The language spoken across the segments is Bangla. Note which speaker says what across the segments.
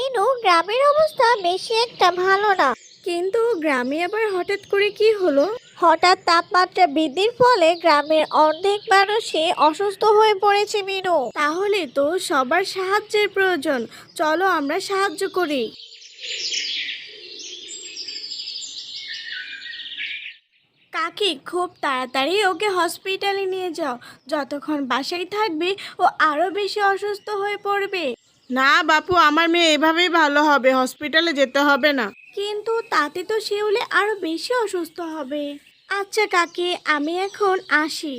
Speaker 1: মিনু, গ্রামের অবস্থা বেশি একটা ভালো না।
Speaker 2: কিন্তু গ্রামে আবার হঠাৎ করে কি হলো?
Speaker 1: হঠাৎ তাপমাত্রা বৃদ্ধির ফলে গ্রামের অর্ধেক মানুষই অসুস্থ হয়ে পড়েছে মিনু।
Speaker 2: তাহলে তো সবার সাহায্যের প্রয়োজন। চলো আমরা সাহায্য করি। কাকি, খুব তাড়াতাড়ি ওকে হসপিটালে নিয়ে যাও। যতক্ষণ বাসায় থাকবে ও আরো বেশি অসুস্থ হয়ে পড়বে।
Speaker 3: না বাপু, আমার মেয়ে এভাবেই ভালো হবে, হসপিটালে যেতে হবে না।
Speaker 2: কিন্তু তাতে তো শিউলে আরো বেশি অসুস্থ হবে। আচ্ছা কাকি, আমি এখন আসি।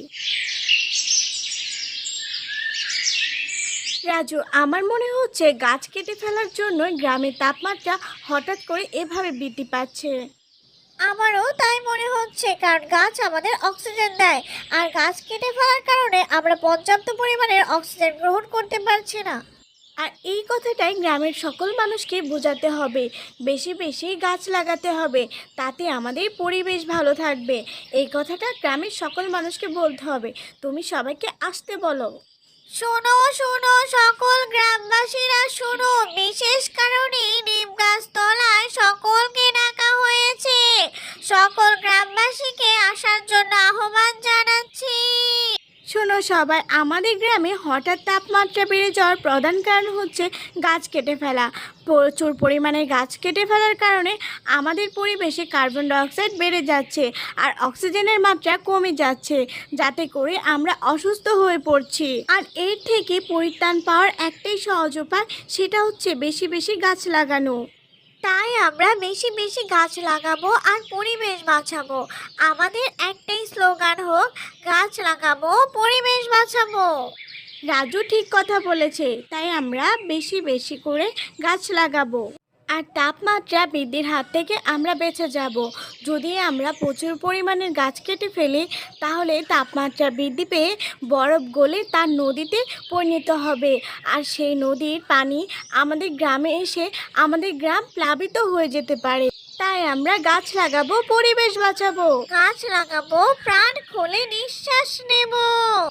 Speaker 2: রাজু, আমার মনে হচ্ছে গাছ কেটে ফেলার জন্য গ্রামের তাপমাত্রা হঠাৎ করে এভাবে বৃদ্ধি পাচ্ছে।
Speaker 1: আমারও তাই মনে হচ্ছে, কারণ গাছ আমাদের অক্সিজেন দেয়, আর গাছ কেটে ফেলার কারণে আমরা পর্যাপ্ত পরিমাণের অক্সিজেন গ্রহণ করতে পারছি না।
Speaker 2: আর এই কথাটাই গ্রামের সকল মানুষকে বোঝাতে হবে। বেশি বেশি গাছ লাগাতে হবে, তাতে আমাদের পরিবেশ ভালো থাকবে। এই কথাটা গ্রামের সকল মানুষকে বলতে হবে। তুমি সবাইকে আসতে বলো।
Speaker 1: শোনো শোনো সকল গ্রামবাসীরা শোনো, বিশেষ কারণে নিম গাছ তলায় সকলকে ডাকা হয়েছে। সকল গ্রামবাসীকে আসার জন্য আহ্বান জানাচ্ছি।
Speaker 2: শোনো সবাই, আমাদের গ্রামে হঠাৎ তাপমাত্রা বেড়ে যাওয়ার প্রধান কারণ হচ্ছে গাছ কেটে ফেলা। প্রচুর পরিমাণে গাছ কেটে ফেলার কারণে আমাদের পরিবেশে কার্বন ডাইঅক্সাইড বেড়ে যাচ্ছে, আর অক্সিজেনের মাত্রা কমে যাচ্ছে, যাতে করে আমরা অসুস্থ হয়ে পড়ছি। আর এর থেকে পরিত্রাণ পাওয়ার একটাই সহজ উপায়, সেটা হচ্ছে বেশি বেশি গাছ লাগানো।
Speaker 1: তাই আমরা বেশি বেশি গাছ লাগাবো আর পরিবেশ বাঁচাবো। আমাদের একটাই স্লোগান হোক, গাছ লাগাবো, পরিবেশ বাঁচাবো।
Speaker 2: রাজু ঠিক কথা বলেছে, তাই আমরা বেশি বেশি করে গাছ লাগাবো। আর তাপমাত্রা বৃদ্ধির হাত থেকে আমরা বেঁচে যাব। যদি আমরা প্রচুর পরিমাণের গাছ কেটে ফেলি, তাহলে তাপমাত্রা বৃদ্ধি পেয়ে বরফ গলে তার নদীতে পরিণত হবে, আর সেই নদীর পানি আমাদের গ্রামে এসে আমাদের গ্রাম প্লাবিত হয়ে যেতে পারে। তাই আমরা গাছ লাগাবো, পরিবেশ বাঁচাবো।
Speaker 1: গাছ লাগাবো, প্রাণ খুলে নিঃশ্বাস নেব।